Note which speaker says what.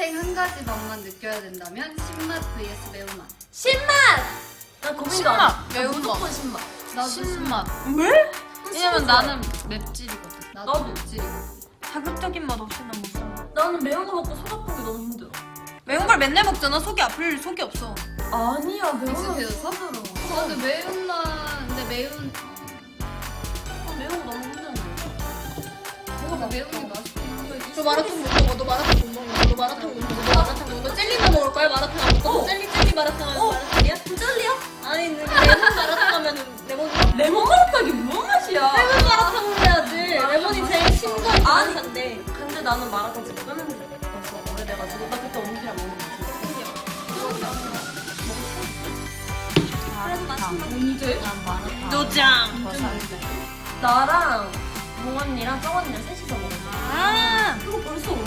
Speaker 1: 평생 한 가지 맛만 느껴야 된다면 신맛 vs 매운맛.
Speaker 2: 신맛! 나 고민도 안 해.
Speaker 3: 매운맛.
Speaker 2: 무조건 신맛.
Speaker 1: 나도
Speaker 3: 신맛.
Speaker 2: 왜?
Speaker 3: 왜냐면 나는 맵찔이거든.
Speaker 1: 나도
Speaker 2: 나도.
Speaker 1: 지
Speaker 3: 자극적인 맛 없이 난 못 살아.
Speaker 2: 나는 매운 거 먹고 속 아픈 게 너무 힘들어.
Speaker 3: 매운 걸 맨날 먹잖아. 속이 아플 속이 없어.
Speaker 2: 아니야, 매운 거
Speaker 1: 익숙해졌어?
Speaker 2: 힘들어.
Speaker 1: 나도 매운맛. 근데 매운.
Speaker 2: 매운 거 너무 힘든데.
Speaker 1: 뭐가 매운 게 맛있긴 해.
Speaker 4: 너 마라탕 못 먹어. 너 마라탕 못 먹어. 너 마라탕 못 먹어. 너 마라탕 못 먹어. 너 젤리나 먹을 거야? 마라탕 안 먹어? 젤리 마라탕 하면 마라탕이야?
Speaker 2: 젤리야?
Speaker 4: 아니 레몬 마라탕 하면은 레몬
Speaker 2: 레몬 마라탕이 무슨 맛이야?
Speaker 4: 레몬 마라탕 해야지. 레몬이 제일 신거한
Speaker 2: 아니.
Speaker 4: 마라탕인데.
Speaker 2: 근데 나는 마라탕 진짜 끊은 지 오래돼가지고 나 그때 언니랑 먹는 거
Speaker 3: 언제? 난 마라탕.
Speaker 2: 노장!
Speaker 3: 더 살때.
Speaker 2: 나랑 몽 언니랑 정 언니랑 셋이서 먹었어.
Speaker 3: 아.
Speaker 2: 그거 벌써